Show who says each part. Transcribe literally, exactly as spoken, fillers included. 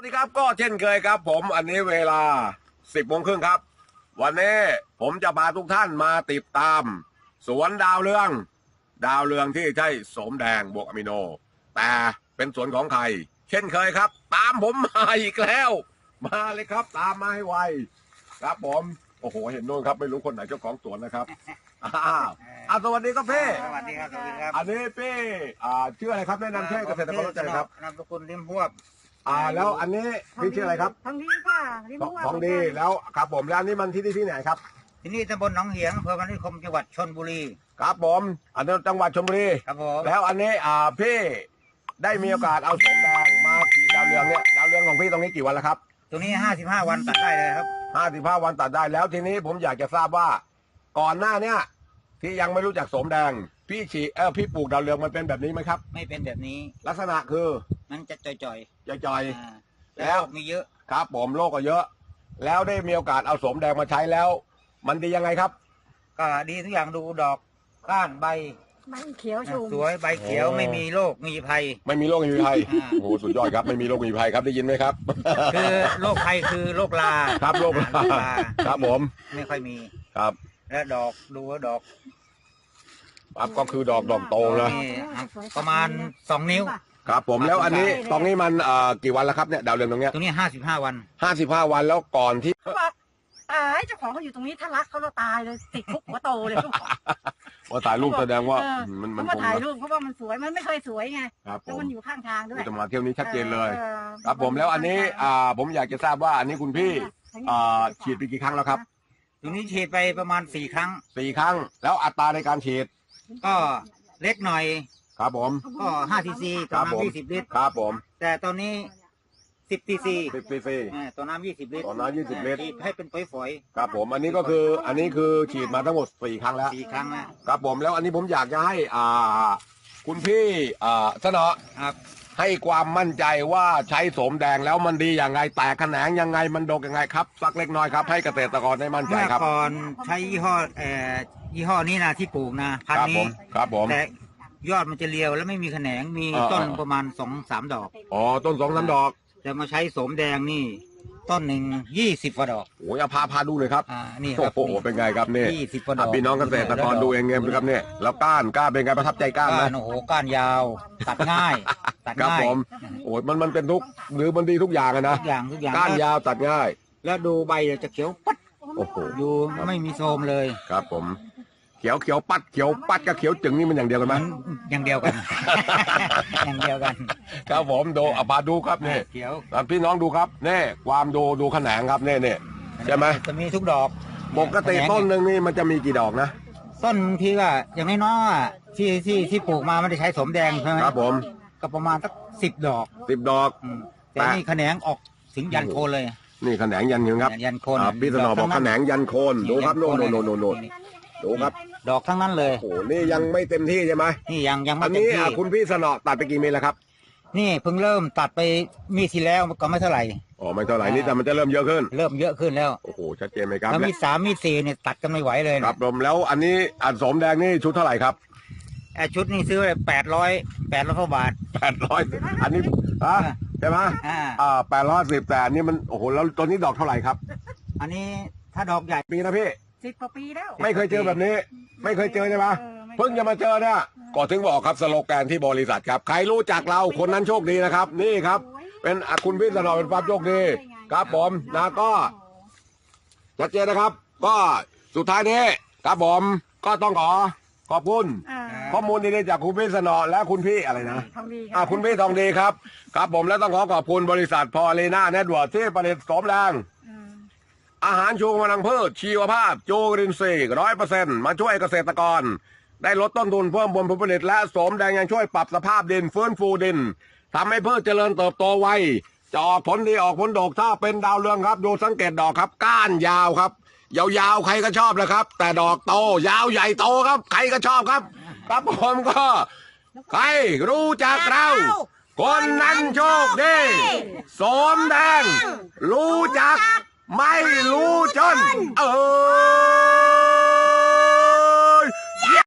Speaker 1: สวัสดีครับก็เช่นเคยครับผมอันนี้เวลาสิบโมงครึ่งครับวันนี้ผมจะพาทุกท่านมาติดตาม สวนดาวเรืองดาวเรืองที่ใช่โสมแดงบวกอะมิโนแต่เป็นสวนของใครเช่นเคยครับ ตามผมมาอีกแล้ว มาเลยครับตามมาให้ไวครับผมโอ้โหเห็นโน่นครับไม่รู้คนไหนเจ้าของสวนนะครับอ้าวอ่ะสวัสดีครับพี่
Speaker 2: สวัสดีครับสวัสดีครับ
Speaker 1: อันนี้พี่อ่าชื่ออะไรครับแนะนำชื่อเกษตรกรรู้ใจครับ
Speaker 2: นามสกุลริมพวบ
Speaker 1: อ่าแล้วอันนี้พี่ชื่ออะไรครับ
Speaker 3: ทองดีค่ะริมบัว
Speaker 1: ทองดีแล้วครับผมแล้วอันนี้มันที่ที่ที่ไหนครับ
Speaker 2: ที่นี่ตำบลหนองเหียงอำเภอพนัสนิคมจังหวัดชลบุรี
Speaker 1: ครับผมอันนี้จังหวัดชลบุรี
Speaker 2: ครับผม
Speaker 1: แล้วอันนี้อ่าพี่ได้มีโอกาสเอาสมแดงมาขีดดาวเรืองเนี่ยดาวเรืองของพี่ตรงนี้กี่วันแล้วครับ
Speaker 2: ตัวนี้ห้าสิบห้าวันตัดได้เลยครับ
Speaker 1: ห้าสิบห้าวันตัดได้แล้วทีนี้ผมอยากจะทราบว่า ก่อนหน้าเนี้ยที่ยังไม่รู้จักสมแดงพี่ฉีเออพี่ปลูกดาวเรืองมันเป็นแบบนี้ไหมครับ
Speaker 2: ไม่เป็นแบบนี้
Speaker 1: ลักษณะคือ
Speaker 2: มันจะจ่อย
Speaker 1: จอย
Speaker 2: ๆ
Speaker 1: ๆ
Speaker 2: อ่า
Speaker 1: แล้
Speaker 2: แล้ว วมีเยอะ
Speaker 1: ครับผมโรคก็เยอะ แล้วได้มีโอกาสเอาสมแดงมาใช้แล้ว มันดียังไงครับ
Speaker 2: ก็ดีทุกอย่างดูดอกก้านใบ
Speaker 3: มันเขียวชุ่ม
Speaker 2: สวยใบเขียว
Speaker 1: โอ้
Speaker 2: ไม่มีโรคมีภัย
Speaker 1: ไม่มีโรคไม่มีภัย
Speaker 2: อ่า
Speaker 1: โอ้โหสุดยอดครับไม่มีโรคไม่มีภัยครับได้ยินไหมครับ
Speaker 2: คือโรคภัยคือโรคลา
Speaker 1: ครับโรค
Speaker 2: อ่า
Speaker 1: ลาครับผม
Speaker 2: ไม่ค่อยมี
Speaker 1: ครับ
Speaker 2: และดอกดูว่าดอก
Speaker 1: ครับก็คือดอกดอกโตนะ
Speaker 2: นี่ประมาณสองนิ้ว
Speaker 1: ครับผมแล้วอันนี้ตรงนี้มันเอ่อกี่วันแล้วครับเนี่ยดาวเรืองตรงเนี้ย
Speaker 2: ตัวนี้ห้าสิบห้าวัน
Speaker 1: ห้าสิบห้าวันแล้วก่อนที่
Speaker 3: เขาบอกตายเจ้าของเขาอยู่ตรงนี้ถ้ารักเขาเราตายเลยติดคุกหัวโตเลยลูก
Speaker 1: ว่าถ่ายรูปแสดงว่า
Speaker 3: เออ
Speaker 1: มันมั
Speaker 3: เขา
Speaker 1: น
Speaker 3: มา
Speaker 1: คง
Speaker 3: ถ่าย
Speaker 1: นะ
Speaker 3: รูปเพราะว่ามันสวยมันไม่เคยสวยไง
Speaker 1: ครับผ
Speaker 3: แล้ว
Speaker 1: ม
Speaker 3: มันอยู่ข้างทางด้วย
Speaker 1: จะมาเที่ยวนี้ชัดเจนเลย
Speaker 3: ออ
Speaker 1: ครับผมแล้วอันนี้อ่าผมอยากจะทราบว่าอันนี้คุณพี่อ่าฉีดไปกี่ครั้งแล้วครับ
Speaker 2: ตัวนี้ฉีดไปประมาณสี่ครั้ง
Speaker 1: สี่ครั้งแล้วอัตราในการฉีด
Speaker 2: ก็เล็กหน่อย
Speaker 1: ครับผม
Speaker 2: ก็ห้าซีซี
Speaker 1: ค
Speaker 2: ต่
Speaker 1: รั
Speaker 2: อบ
Speaker 1: ผม
Speaker 2: น้ำยี่สิบลิตร
Speaker 1: ครับผม
Speaker 2: แต่ตอนนี้สิบซีซี
Speaker 1: สิบซีซี
Speaker 2: ต่อน้ำยี่สิบลิตร
Speaker 1: ต่อน้ำยี่สิบลิตร
Speaker 2: ฉีดให้เป็นฝอย
Speaker 1: ครับผมอันนี้ก็คืออันนี้คือฉีดมาทั้งหมดสี่ครั้งแล้ว
Speaker 2: ๆสี่ครั้งนะครับ
Speaker 1: ผมแล้วอันนี้ผมอยากจะให้อ่าคุณพี่อ่าเสนอ
Speaker 2: ครับ
Speaker 1: ให้ความมั่นใจว่าใช้โสมแดงแล้วมันดีอย่างไงแตกแขนงยังไงมันดกยังไงครับสักเล็กน้อยครับให้เกษตรกรได้มั่นใจ
Speaker 2: เมื่อ
Speaker 1: ครับ
Speaker 2: ก่อนใช้ยี่ห้อเอ่อยี่ห้อนี้นะที่ปลูกนะพัน
Speaker 1: ครับ
Speaker 2: ธุ์
Speaker 1: ผ
Speaker 2: นี้
Speaker 1: มครับผม
Speaker 2: แต่ยอดมันจะเรียวแล้วไม่มีแขนงมี
Speaker 1: อ่า
Speaker 2: ต้น
Speaker 1: อ่า
Speaker 2: ประมาณสองสามดอก
Speaker 1: อ๋อต้นสองน้ำดอก
Speaker 2: แต่มาใช้โสมแดงนี่ ต้นหนึ่งยี่สิบกว่าดอก
Speaker 1: โอ้ยเอาพาพาดูเลยครับ
Speaker 2: อ่านี่ค
Speaker 1: โอ้
Speaker 2: รับ
Speaker 1: โหเป็นไงครับเนี่ย
Speaker 2: ยี่สิบกว่าด
Speaker 1: อ่ะ
Speaker 2: อก
Speaker 1: พี่น้องเกษตรกรดูเองไงครับเนี่ยแล้วก้านก้านเป็นไงประทับใจก้านไหม
Speaker 2: ก้านโอ้โหก้านยาว ตัดง่าย ตัด
Speaker 1: ครับ
Speaker 2: ง่าย
Speaker 1: ผมโอ้ยมันมันเป็นทุกหรือมันดีทุกอย่างอะนะ
Speaker 2: ทุกอย่างทุกอย่าง
Speaker 1: ก้านยาวตัดง่าย
Speaker 2: แล้วดูใบจะเขียวปัด
Speaker 1: โอ้โห
Speaker 2: ดูไม่มีโทรมเลย
Speaker 1: ครับผมเขียวเขียวปัดเขียวปัดกับเขียวจึงนี่มันอย่างเดียวกันไหม
Speaker 2: มันอย่างเดียวกัน อย่างเดียวกัน
Speaker 1: ครับผมดูอ่ะพาดูครับนี่
Speaker 2: เขียว
Speaker 1: อ่ะพี่น้องดูครับนี่ความดูดูแขนงครับนี่นี่ใช่ไหม
Speaker 2: จะมีทุกดอก
Speaker 1: ปกติต้นหนึ่งนี่มันจะมีกี่ดอกนะ
Speaker 2: ต้นทีก็อย่างน้อยๆอ่ะที่ที่ที่ปลูกมาไม่ได้ใช้สมแดงใช่ไหม
Speaker 1: ครับผม
Speaker 2: ก็ประมาณสักสิบดอก
Speaker 1: สิบดอก
Speaker 2: อืมแต่นี่แขนงออกถึงยันโคนเลย
Speaker 1: นี่แขนงยันเห็นครับ
Speaker 2: ยันโคน
Speaker 1: อ่ะพี่สนอบอกแขนงยันโคนดูครับโน่นโน่นโน่นโน่นโน่นดูครับ
Speaker 2: ดอกทั้งนั้นเลย
Speaker 1: โอ้โหนี่ยังไม่เต็มที่ใช่ไหม
Speaker 2: นี่ยังยัง
Speaker 1: อั
Speaker 2: ไม่
Speaker 1: น
Speaker 2: เต็ม
Speaker 1: นี้
Speaker 2: ที่
Speaker 1: อ่ะคุณพี่สนอตัดไปกี่เมตรแล้วครับ
Speaker 2: นี่เพิ่งเริ่มตัดไปมีดที่แล้วก็ไม่เท่าไหร่
Speaker 1: อ๋อไม่เท่าไหร่นี่แต่มันจะเริ่มเยอะขึ้น
Speaker 2: เริ่มเยอะขึ้นแล้ว
Speaker 1: โอ้โหชัดเจนไหมครับ
Speaker 2: แล้วมีดสามมีดสี่เนี่ยตัดกันไม่ไหวเลย
Speaker 1: ค
Speaker 2: นะ
Speaker 1: รับผมแล้วอันนี้อันสมแดงนี่ชุดเท่าไหร่ครับ
Speaker 2: ไอ้ชุดนี้ซื้อไปแปดร้อยแปดร้อยกว่าบาท
Speaker 1: แปดร้อยอันนี้อ่ะใช่ไหม
Speaker 2: อ่า
Speaker 1: อ่าแปดร้อยสิบแต่อันนี้มันโอ้โหแล้วตัวนี้ดอกเท่าไหร่ครับ
Speaker 2: อันนี้ถ้าดอกใหญ่
Speaker 1: ปีนะพี่
Speaker 3: สิบกว่าปีแล้ว
Speaker 1: ไม่เคยเจอแบบนี้ ไม่เคยเจอใช่ไหม
Speaker 3: ออไม่
Speaker 1: เพิ่งจะมาเจอเนี่ยก็ถึงบอกครับสโลแกนที่บริษัทครับ ใครรู้จักเราคนนั้นโชคดีนะครับ นี่ครับ เป็นอ่ะคุณพี่สนอเป็นความโชคดี ครับผมนะก็ชัดเจนนะครับ ก็สุดท้ายนี้ครับผมก็ต้องขอขอบคุณ
Speaker 3: อ่า
Speaker 1: ข้อมูลดีๆจากคุณพี่สนอและคุณพี่อะไรนะ
Speaker 3: ทองดี
Speaker 1: อ่าคุณพี่ทองดีครับ ครับผมและต้องขอขอบคุณบริษัทพอลีน่าเน็ตเวิร์กที่ผลิตสมแรง
Speaker 3: อืม
Speaker 1: อาหารชูกำลังพืชชีวภาพจูรินทรีย์ร้อยเปอร์เซ็นต์มาช่วยเกษตรกร ได้ลดต้นทุนเพิ่มผลผลิตและโสมแดงยังช่วยปรับสภาพดินฟื้นฟูดินทำให้พืชเจริญเติบโตไวจะออกผลดีออกผลดกถ้าเป็นดาวเรืองครับดูสังเกตดอกครับ ก้านยาวครับ ยาวๆใครก็ชอบเลยครับ แต่ดอกโตยาวใหญ่โตครับ ใครก็ชอบครับ ครับผมก็ ใครรู้จักเรา คนนั้นโชคดีโสมแดง รู้จัก ไม่รู้จน เออ